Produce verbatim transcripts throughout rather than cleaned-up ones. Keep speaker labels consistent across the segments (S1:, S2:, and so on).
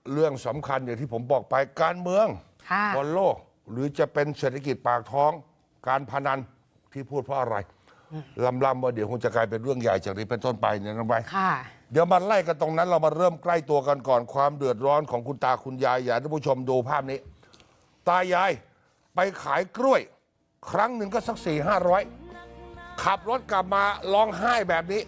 S1: เรื่องสำคัญอย่างที่ผมบอกไปการเมืองบนโลกหรือจะเป็นเศรษฐกิจปากท้องการพนันที่พูดเพราะอะไรลำลำว่าเดี๋ยวคงจะกลายเป็นเรื่องใหญ่จากนี้เป็นต้นไปเนี่ยน้องใบเดี๋ยวมาไล่กันตรงนั้นเรามาเริ่มใกล้ตัวกันก่อนความเดือดร้อนของคุณตาคุณยายอยากให้ท่านผู้ชมดูภาพนี้ตายายไปขายกล้วยครั้งหนึ่งก็สักสี่ห้าร้อยขับรถกลับมาร้องไห้แบบนี้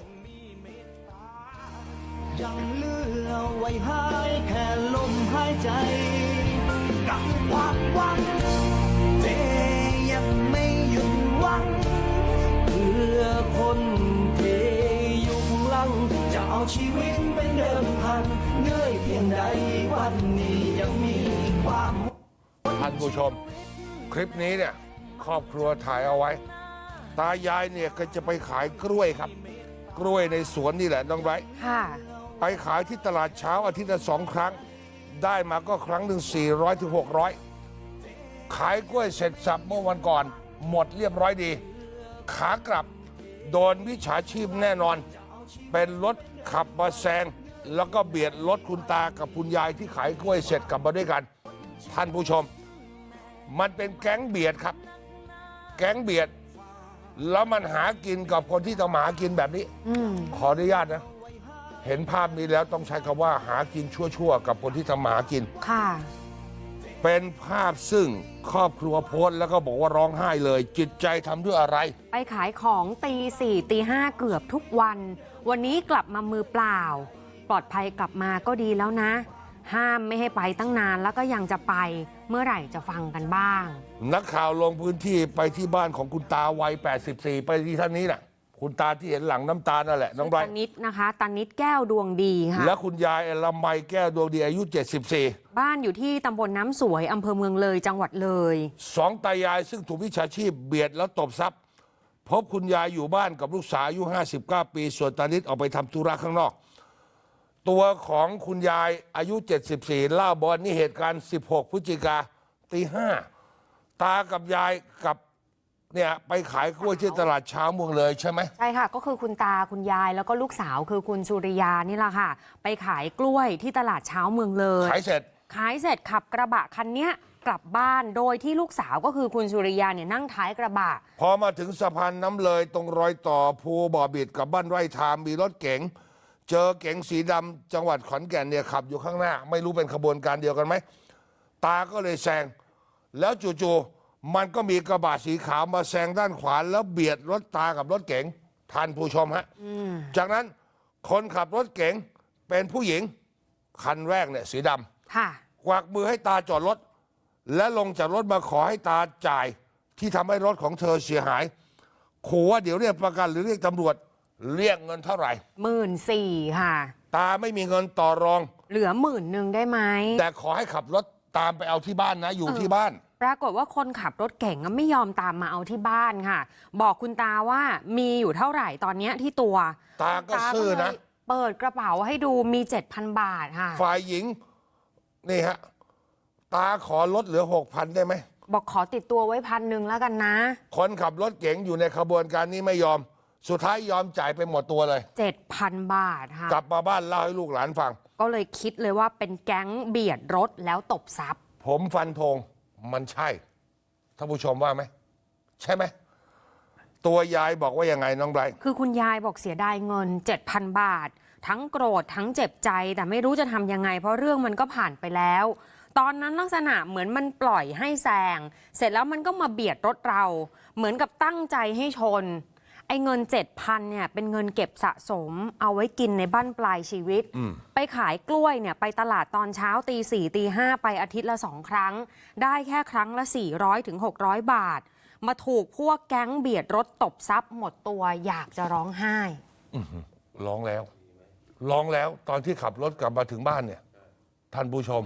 S2: ยังเหลือไว้ให้แค่ลมหายใจกับความหวังแต่ยังไม่หยุดหวังเพื่อคนที่อยู่หลังจะเอาชีวิตเป็นเดิมพันเหนื่อยเพียงใดวันนี้ยังมีความ
S1: ท่านผู้ชมคลิปนี้เนี่ยครอบครัวถ่ายเอาไว้ตายายเนี่ยก็จะไปขายกล้วยครับกล้วยในสวนนี่แหละน้องไบร์ทไปขายที่ตลาดเช้าอาทิตย์ละสองครั้งได้มาก็ครั้งหนึ่งสี่ร้อยถึงหกร้อยขายกล้วยเสร็จสับเมื่อวันก่อนหมดเรียบร้อยดีขากลับโดนวิชาชีพแน่นอนเป็นรถขับมาแซงแล้วก็เบียดรถคุณตากับคุณยายที่ขายกล้วยเสร็จกลับมาด้วยกันท่านผู้ชมมันเป็นแก๊งเบียดครับแก๊งเบียดแล้วมันหากินกับคนที่ต้องหากินแบบนี้ขออนุญาตนะเห็นภาพนี้แล้วต้องใช้คำว่าหากินชั่วๆกับคนที่ทำมาหากินค่ะเป็นภาพซึ่งครอบครัวโพสต์แล้วก็บอกว่าร้องไห้เลยจิตใจทำด้วยอะไร
S3: ไปขายของตีสี่ตีห้าเกือบทุกวันวันนี้กลับมามือเปล่าปลอดภัยกลับมาก็ดีแล้วนะห้ามไม่ให้ไปตั้งนานแล้วก็ยังจะไปเมื่อไหร่จะฟังกันบ้าง
S1: นักข่าวลงพื้นที่ไปที่บ้านของคุณตาวัยแปดสิบสี่ไปที่ท่านนี้น่ะคุณตาที่เห็นหลังน้ำตานั่นแหละน้องไบร์ท
S3: ตานิดนะคะตานิดแก้วดวงดีค่ะ
S1: และคุณยายละไมแก้วดวงดีอายุเจ็ดสิบสี่
S3: บ้านอยู่ที่ตำบลน้ำสวยอำเภอเมืองเลยจังหวัดเลย
S1: สองตายายซึ่งถูกวิชาชีพเบียดแล้วตบทรัพย์พบคุณยายอยู่บ้านกับลูกสาวอายุห้าสิบเก้าปีส่วนตานิดออกไปทำธุระข้างนอกตัวของคุณยายอายุเจ็ดสิบสี่เล่าบอกนี่เหตุการณ์สิบหกพฤศจิกาตีห้าตากับยายกับเนี่ยไปขายกล้วยที่ตลาดเช้าเมืองเลยใช่ไหม
S3: ใช่ค่ะก็คือคุณตาคุณยายแล้วก็ลูกสาวคือคุณสุริยานี่แหละค่ะไปขายกล้วยที่ตลาดเช้าเมืองเลย
S1: ขายเสร็จ
S3: ขายเสร็จขับกระบะคันนี้กลับบ้านโดยที่ลูกสาวก็คือคุณสุริยาเนี่ยนั่งท้ายกระบะ
S1: พอมาถึงสะพานน้ำเลยตรงรอยต่อภูบ่อบิดกับบ้านไร่ทามมีรถเก๋งเจอเก๋งสีดำจังหวัดขอนแก่นเนี่ยขับอยู่ข้างหน้าไม่รู้เป็นขบวนการเดียวกันไหมตาก็เลยแซงแล้วจู่ๆมันก็มีกระบะสีขาวมาแซงด้านขวาแล้วเบียดรถตากับรถเก๋งท่านผู้ชมฮะจากนั้นคนขับรถเก๋งเป็นผู้หญิงคันแรกเนี่ยสีดำกวักมือให้ตาจอดรถและลงจากรถมาขอให้ตาจ่ายที่ทำให้รถของเธอเสียหายขู่ว่าเดี๋ยวเรียกประกันหรือเรียกตำรวจเรียกเงินเท่าไหร่
S3: หมื่นสี่ค่ะ
S1: ตาไม่มีเงินต่อรอง
S3: เหลือหมื่นหนึ่งได้ไหม
S1: แต่ขอให้ขับรถตามไปเอาที่บ้านนะอยู่ที่บ้าน
S3: ปรากฏว่าคนขับรถเก่งไม่ยอมตามมาเอาที่บ้านค่ะบอกคุณตาว่ามีอยู่เท่าไหร่ตอนนี้ที่ตัว
S1: ตาก็ซื่อนะ
S3: เปิดกระเป๋าให้ดูมี เจ็ดพัน บาทค่ะ
S1: ฝ่ายหญิงนี่ฮะตาขอลดเหลือ หกพัน ได้ไหม
S3: บอกขอติดตัวไว้พันหนึ่งแล้วกันนะ
S1: คนขับรถเก๋งอยู่ในขบวนการนี้ไม่ยอมสุดท้ายยอมจ่ายไปหมดตัวเลย
S3: เจ็ดพัน บาทค่ะ
S1: กลับมาบ้านเล่าให้ลูกหลานฟัง
S3: ก็เลยคิดเลยว่าเป็นแก๊งเบียดรถแล้วตบทรัพย์
S1: ผมฟันธงมันใช่ท่านผู้ชมว่าไหมใช่ไหมตัวยายบอกว่ายังไงน้องไบรท์
S3: คือคุณยายบอกเสียดายเงิน เจ็ดพัน บาททั้งโกรธทั้งเจ็บใจแต่ไม่รู้จะทำยังไงเพราะเรื่องมันก็ผ่านไปแล้วตอนนั้นลักษณะเหมือนมันปล่อยให้แซงเสร็จแล้วมันก็มาเบียดรถเราเหมือนกับตั้งใจให้ชนไอ้เงิน เจ็ดพัน เนี่ยเป็นเงินเก็บสะสมเอาไว้กินในบั้นปลายชีวิตไปขายกล้วยเนี่ยไปตลาดตอนเช้าตีสี่ตีห้าไปอาทิตย์ละสองครั้งได้แค่ครั้งละสี่ร้อยถึงหกร้อยบาทมาถูกพวกแก๊งเบียดรถตบทรัพย์หมดตัวอยากจะร้องไห้
S1: ร้องแล้วร้องแล้วตอนที่ขับรถกลับมาถึงบ้านเนี่ยท่านผู้ชม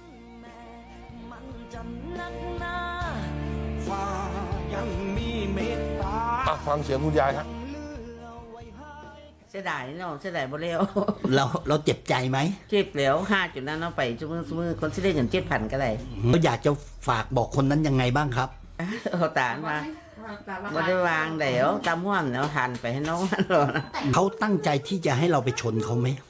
S1: ฟังเสียงคุณยายครับ
S4: เสียดายเนาะเสียดายบ่เร็ว
S5: เราเราเจ็บใจไหม
S4: เจ็บแล้วห้าจุดนั้นเอาไปชั่วโมงชั่วโมงคนที่ได้เงินเจ็ดพันก็ได้
S5: เราอยากจะฝากบอกคนนั้นยังไงบ้างครับ
S4: เขาตานมาบ่ได้วางเดี๋ยวตามห้วนแล้วหันไปให้น้องมันหรอ
S5: เขาตั้งใจที่จะให้เราไปชนเขาไหม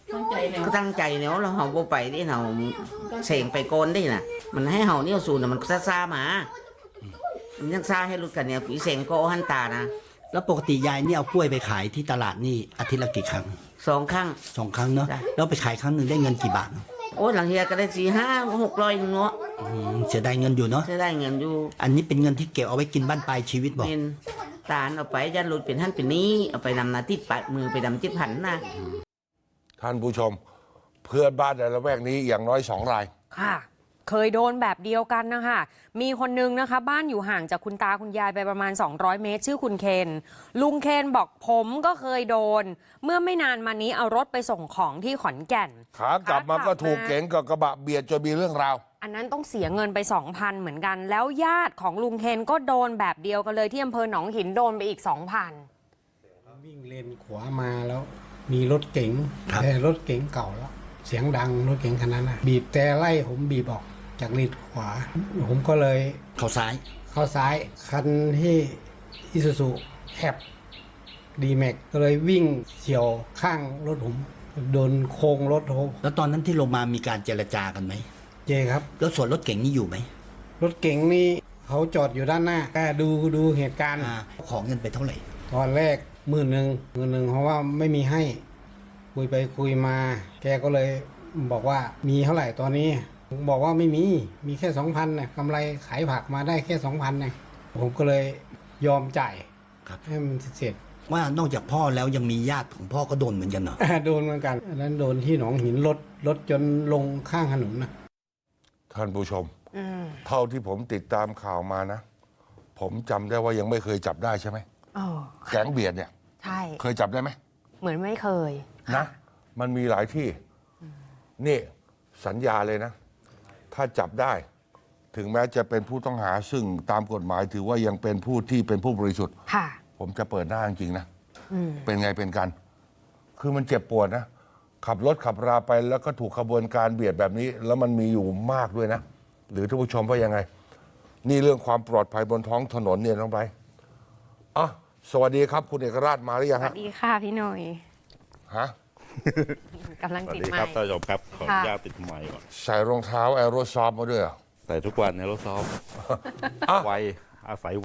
S4: ก็ตั้งใจเนาะเราเฮาบ่ไปที่เฮาเสงไปโกนได้น่ะ มันให้เฮาเนี่ยสูนน่ะมันซ่าๆมามันยังซ่าให้รู้กันเนี่ยปีเสงก็หันตานะ
S5: แล้วปกติยายนี่เอากล้วยไปขายที่ตลาดนี่อาทิตย์ละกี่ครั้ง
S4: สองครั้ง
S5: สองครั้งเนาะ
S4: จ้ะ
S5: แล้วไปขายครั้งหนึ่งได้เงินกี่บาท
S4: โอ้ยหลังเฮียก็ได้สี่ห้าหกร้อยนึงเนาะ
S5: อืมเสียดายเงินอยู่เนาะ
S4: จะได้เงินอยู่
S5: อันนี้เป็นเงินที่เก็บเอาไว้กินบ้านปลายชีวิตบอก
S4: เป็นตาลเอาไปยันหลุดเป็นท่านเป็นนี้เอาไปนำนาที่ปัดมือไปดำจิตผันนะ
S1: ท่านผู้ชม เพื่อนบ้านในละแวกนี้อย่างน้อยสองราย
S3: ค่ะ เคยโดนแบบเดียวกันนะคะมีคนนึงนะคะบ้านอยู่ห่างจากคุณตาคุณยายไปประมาณสองร้อยเมตร ชื่อคุณเคนลุงเคนบอกผมก็เคยโดน เมื่อไม่นานมานี้เอารถไปส่งของที่ขอนแก่น
S1: ขากลับมาก็ถูกเก๋งกับกระบะเบียดจนมีเรื่องราว
S3: อันนั้นต้องเสียเงินไป สองพัน เหมือนกัน แล้วญาติของลุงเคนก็โดนแบบเดียวกันเลยที่อำเภอหนองหินโดนไปอีก สองพัน
S6: วิ่งเลนขวามาแล้วมีรถเก๋ง
S5: ครับ
S6: แต่รถเก๋งเก่าแล้ว เสียงดังรถเก๋งคันนั้นนะบีบแต่ไล่ผมบีบออกจากเลนขวา ผมก็เลย
S5: เขาซ้าย
S6: เข้าซ้ายคันที่อิซูซุแคบดีแม็กก็เลยวิ่งเฉียวข้างรถผม โดนโค้งรถผม
S5: แล้วตอนนั้นที่ลงมามีการเจรจากันไหม
S6: เจครับ
S5: แล้วส่วนรถเก๋งนี่อยู่ไหม
S6: รถเก๋งนี่เขาจอดอยู่ด้านหน้าแกดูดูเหตุการณ์
S5: อ่าของเงินไปเท่าไหร่
S6: ตอนแรกหมื่นหนึ่งหมื่นหนึ่งเพราะว่าไม่มีให้ คุยไปคุยมา แกก็เลยบอกว่ามีเท่าไหร่ตอนนี้ผมบอกว่าไม่มีมีแค่สองพันนะกำไรขายผักมาได้แค่สองพันนะผมก็เลยยอมจ่าย
S5: ครับ
S6: ให้มันเสร็จ
S5: ว่านอกจากพ่อแล้วยังมีญาติของพ่อก็โดนเหมือนกันเหรอ
S6: โดนเหมือนกันอันนั้นโดนที่หนองหินรถรถจนลงข้างถนนนะ
S1: ท่านผู้ชม
S3: อืม
S1: เท่าที่ผมติดตามข่าวมานะ ผมจำได้ว่ายังไม่เคยจับได้ใช่ไหม
S3: เออ
S1: แก๊งเบียดเนี่ย
S3: ใช่
S1: เคยจับได้ไหม
S3: เหมือนไม่เคย
S1: นะ มันมีหลายที่ นี่สัญญาเลยนะ ถ้าจับได้ ถึงแม้จะเป็นผู้ต้องหาซึ่งตามกฎหมายถือว่ายังเป็นผู้ที่เป็นผู้บริสุทธิ์
S3: ค่ะ
S1: ผมจะเปิดหน้าจริงๆนะ
S3: อืม
S1: เป็นไงเป็นกัน คือมันเจ็บปวดนะ ขับรถขับราไปแล้วก็ถูกขบวนการเบียดแบบนี้ แล้วมันมีอยู่มากด้วยนะ หรือท่านผู้ชมว่ายังไง นี่เรื่องความปลอดภัยบนท้องถนนเนี่ยน้องไปอ่ะสวัสดีครับ คุณเอกราชมาหรือยัง
S3: สวั
S1: ฮะ
S3: สดีค่ะพี่หน่อย
S1: ฮะ
S3: กำลัง
S7: สวัส
S3: ติด
S7: ดี
S3: ไม
S7: ครับ
S3: ค์
S7: ท่านผู้ชมครับ ขออนุญาตติดไมค์ก่อน
S1: ใส่รองเท้าแอโรซอฟมาด้วยเหรอ
S7: ใส่ทุกวันในรถซ้อม
S1: อ่ะ
S7: ไวอาศัย